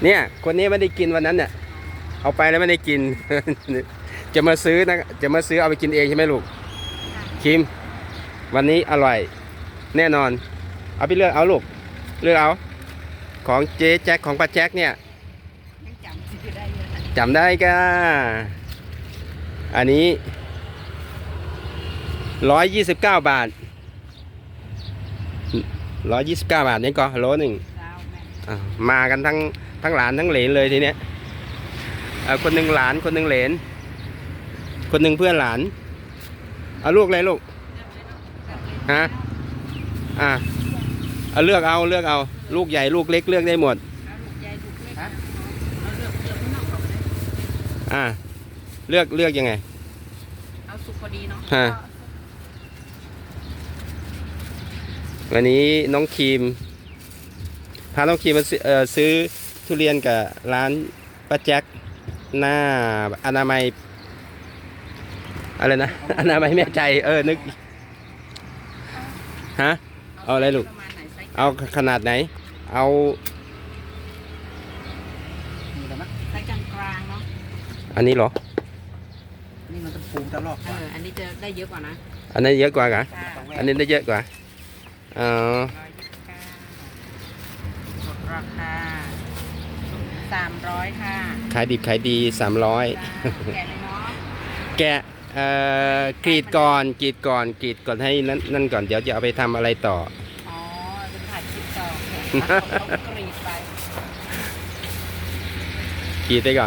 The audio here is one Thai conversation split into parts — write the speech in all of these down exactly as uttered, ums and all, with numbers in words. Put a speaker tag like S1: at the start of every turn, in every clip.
S1: เนี่ยคนนี้ไม่ได้กินวันนั้นเนี่ยเอาไปแล้วไม่ได้กิน จะมาซื้อนะจะมาซื้อเอาไปกินเองใช่ไหมลูกคิมวันนี้อร่อยแน่นอนเอาไปเลือกเอาลูกเลือกเอาของเจ๊แจ็คของป้าแจ็คเนี่ยจำได้ก็อันนี้ร้อยยี่สิบเก้าบาทร้อยยี่สิบเก้าบาทนี่ก็โลหนึ่งมากันทั้งทั้งหลานทั้งเหลนเลยทีเนี้ยคนหนึ่งหลานคนหนึ่งเหลนคนหนึ่งเพื่อนหลานเอาลูกอะไรลูกฮะอ่ะเอาเลือกเอาเลือกเอาลูกใหญ่ลูกเล็กเลือกได้หมดอ่ะเลือกเลือกยังไง
S2: เอาสุกพอดีเนาะ
S1: ฮะวันนี้น้องครีมพาน้องครีมมาซื้อทุเรียนกับร้านป้าแจ็คหน้าอนามัยอะไรนะอนามัยแม่ใจเออนึกฮะเอาอะไรลูกเอาขนาดไหนเอา
S2: ไซส์กลางๆเนาะ
S1: อันนี้เหรอ
S3: นี่มันจะปูตลอด
S2: เอออันนี้จะได้เยอะกว่านะ
S1: อันนี้เยอะกว่าเหรออันนี้ได้เยอะกว่าอ๋อ
S2: ราคาสามร้อยค่ะ
S1: ขายดิบขายดีสามร้อย
S2: แกะเลยเนาะ
S1: แกะเอ่อกรีดก่อนกรีดก่อนกรีดก่อนให้นั่นนั่นก่อนเดี๋ยวจะเอาไปทำอะไรต่อ
S2: อ๋อจะถ่ายคลิปต่อต้องกรีดไป
S1: กรีดไปก่อน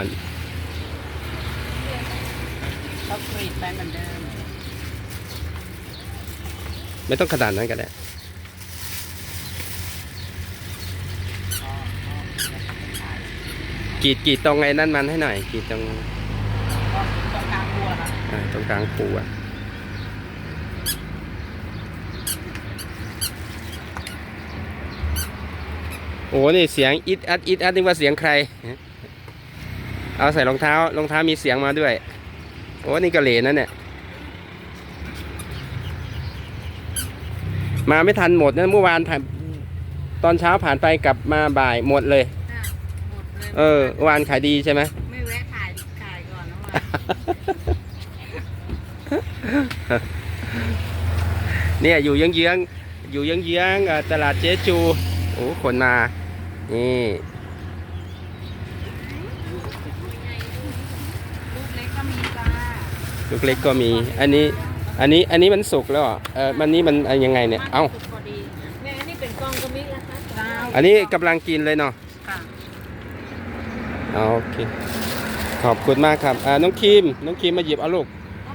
S2: ต้องกรีดไปเหมือนเดิม
S1: ไม่ต้องขนาดนั้นก็ได้กรีดกรีดตรงไอ้นั่นมันให้หน่อยกรีดตรง
S2: ตรงกลางปูนะ
S1: อ่าตรงกลางปูอ่ะโอ้นี่เสียงอิดอัดอิดอัดนึกว่าเสียงใครเอาใส่รองเท้ารองเท้ามีเสียงมาด้วยโอ้นี่กระเหร่นั่นเนี่ยมาไม่ทันหมดนะเมื่อวานผ่านตอนเช้าผ่านไปกลับมาบ่ายหมดเลยเออวานขายดีใช่ไหม
S2: ไม่แวะถ่ายถ่ายก่อนนะ
S1: ว่าเนี่ยอยู่เยื้องๆอยู่เยื้องๆตลาดเจ๊จูโอ้คนมานี่
S2: ลูกเล็กก็มีจ้า
S1: ลูกเล็กก็มีอันนี้อันนี้อันนี้มันสุกแล้วเออมันนี้มันยังไงเนี่ยเอ้า
S2: เนี่ยอันนี้เป็นกล้องก็มีนะคะ
S1: อันนี้กำลังกินเลยเนาะโอเคขอบคุณมากครับอ่าน้องครีมน้องครีมมาหยิบเอาลูก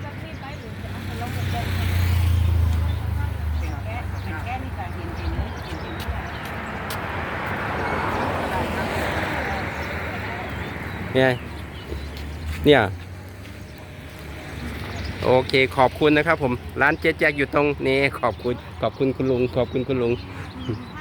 S1: เนี่ยเนี่ยโอเคขอบคุณนะครับผมร้านเจ๊แจ๊กอยู่ตรงนี้ขอบคุณขอบคุณคุณลุงขอบคุณคุณลุง